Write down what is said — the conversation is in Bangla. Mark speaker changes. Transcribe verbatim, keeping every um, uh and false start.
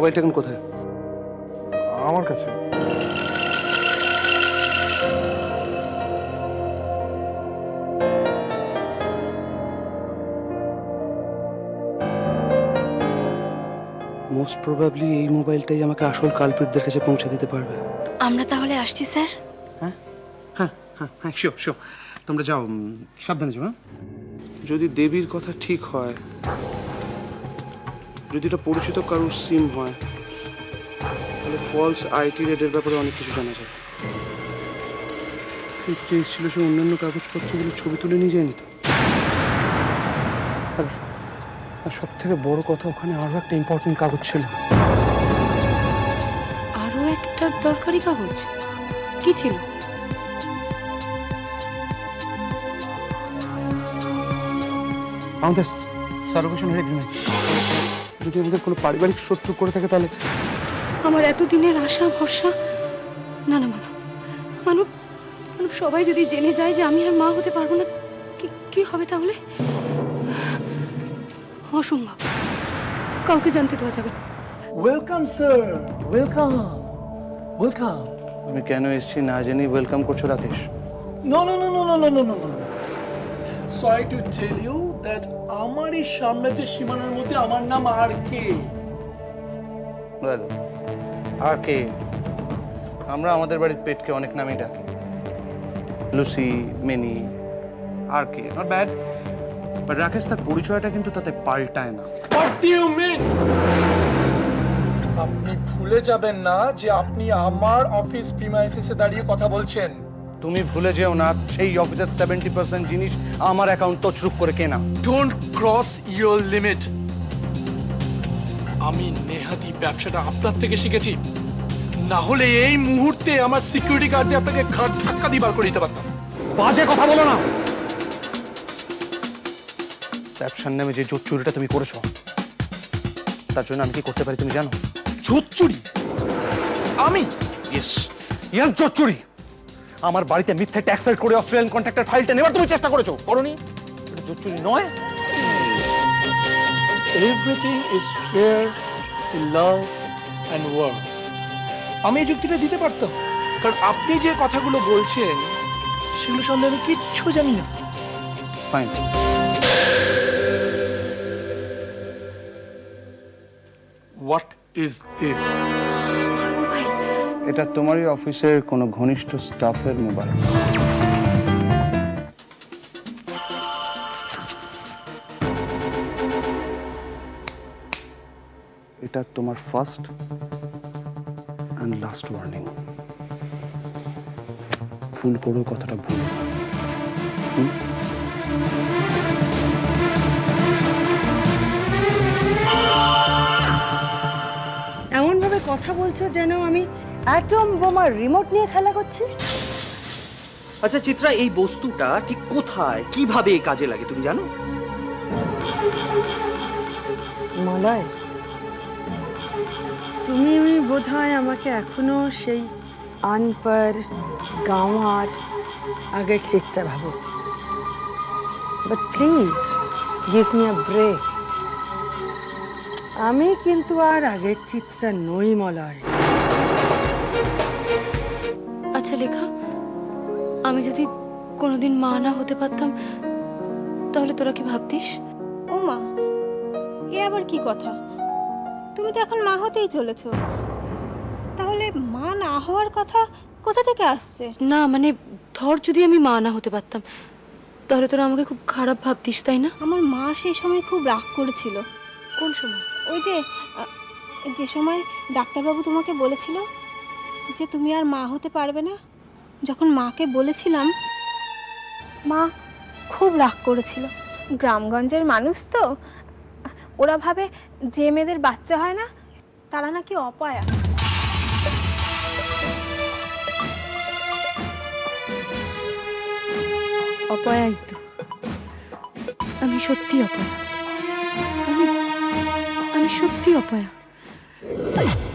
Speaker 1: মোবাইলটা এখন কোথায়?
Speaker 2: আমার কাছে।
Speaker 1: মোস্ট প্রবাবলি এই মোবাইলটাই আমাকে আসল কালপ্রিটদের কাছে পৌঁছে দিতে পারবে।
Speaker 3: আমরা তাহলে আসছি স্যার।
Speaker 1: হ্যাঁ হ্যাঁ হ্যাঁ হ্যাঁ শিওর শিওর। তোমরা যাও, সাবধানে যাও। হ্যাঁ, যদি দেবীর কথা ঠিক হয়, যদি এটা পরিচিত কারোর সিম হয়, তাহলে ফলস আইটি রেডের ব্যাপারে অনেক কিছু জানা যায়। এই কেস ছিল, সে অন্যান্য কাগজপত্রগুলো ছবি তুলে নিয়ে যায়নি তো। আর আর সব থেকে বড় কথা, ওখানে আরো একটা ইম্পর্টেন্ট কাগজ ছিল।
Speaker 3: আরো একটা দরকারি কাগজ কি ছিল?
Speaker 1: আমাদের সার্ভেশনের এগ্রিমেন্ট। যদি আমাদের কোনো পারিবারিক শত্রু করে থাকে, তাহলে
Speaker 3: আমার এতদিনের আশা ভরসা, না না মানব মানব মানব সবাই যদি জেনে যায় যে আমি আর মা হতে পারবো না, কি কি হবে তাহলে? অসম্ভব, কাউকে জানতে দেওয়া যাবে না।
Speaker 4: Welcome sir, welcome welcome.
Speaker 1: আমি কেন এসেছি না জেনে ওয়েলকাম করছো Rakesh?
Speaker 4: No no no no no no no no no sorry to tell you that আমার এই সাম্রাজ্যের সীমানার মধ্যে আমার নাম আর কে।
Speaker 1: আর কে? আমরা আমাদের বাড়ির পেটকে অনেক নামেই ডাকি, লুসি, মিনি, আর কে, নট ব্যাড। বাট রাকেশ, তার পরিচয়টা কিন্তু তাতে পাল্টায় না।
Speaker 4: What do you mean? আপনি ভুলে যাবেন না যে আপনি আমার অফিস প্রিমাইসিসে দাঁড়িয়ে কথা বলছেন।
Speaker 1: তুমি ভুলে যেও না, সেই অফিসের সেভেন্টি পার্সেন্ট জিনিস আমার অ্যাকাউন্ট তছরূপ করে কেনা।
Speaker 4: Don't cross your limit. আমি নেহাতি ব্যবসাটা আপনার থেকে শিখেছি, না হলে এই মুহূর্তে আমার সিকিউরিটি গার্ড দিয়ে আপনাকে ঘাট ধাক্কা দিয়ে বার করে দিতে পারতাম।
Speaker 1: বাজে কথা বলো না। ব্যবসার নামে যে জোট চুরিটা তুমি করেছো, তার জন্য আমি কি করতে পারি তুমি জানো?
Speaker 4: জোট চুরি? আমি?
Speaker 1: ইয়েস ইয়েস, জোট চুরি। আমার বাড়িতে মিথ্যে ট্যাক্স রাইড করে অস্ট্রেলিয়ান কন্ট্রাক্টর ফাইলটা নেবার তুমি চেষ্টা করেছো, করোনি? এটা জোট চুরি নয়।
Speaker 4: Everything is fair in love and work. আমি এই যুক্তিটা দিতে পারতাম, কারণ আপনি যে কথাগুলো বলছেন সেগুলো সম্বন্ধে আমি কিচ্ছু জানি না।
Speaker 1: ফাইন।
Speaker 4: What is this?
Speaker 1: এটা তোমারই অফিসের কোনো ঘনিষ্ঠ স্টাফের মোবাইল। এটা তোমার ফার্স্ট অ্যান্ড লাস্ট ওয়ার্নিং। ভুল করো কথাটা ভুল।
Speaker 5: এমন ভাবে কথা বলছো যেন আমি অ্যাটম বোমার রিমোট নিয়ে খেলা করছি।
Speaker 6: আচ্ছা চিত্রা, এই বস্তুটা ঠিক কোথায়, কিভাবে কাজে লাগে তুমি জানো?
Speaker 5: মলয়, তুমি বোধহয় আমাকে এখনো সেই আনপড় গাঁওয়ার আগের চিত্রা ভাবো। But please give me a break. আমি কিন্তু আর আগের চিত্রা নই মলয়।
Speaker 3: আচ্ছা লেখা, আমি যদি কোনোদিন মা না হতে পারতাম, তাহলে তোরা কি ভাবতিস?
Speaker 7: ও মা, এ আবার কি কথা? তুমি তো এখন মা হতেই চলেছো, তাহলে মা না হওয়ার কথা কোথা থেকে আসছে?
Speaker 3: না মানে ধর যদি আমি মা না হতে পারতাম, তাহলে তোরা আমাকে খুব খারাপ ভাবতিস, তাই না?
Speaker 7: আমার মা সেই সময় খুব রাগ করেছিল।
Speaker 3: কোন সময়?
Speaker 7: ওই যে আহ, যে সময় ডাক্তারবাবু তোমাকে বলেছিল যে তুমি আর মা হতে পারবে না, যখন মাকে বলেছিলাম, মা খুব রাগ করেছিল। গ্রামগঞ্জের মানুষ তো, ওরা ভাবে যে মেয়েদের বাচ্চা হয় না তারা নাকি অপয়া।
Speaker 3: অপয়াই তো, আমি সত্যি অপয়া, আমি আমি সত্যি অপয়া।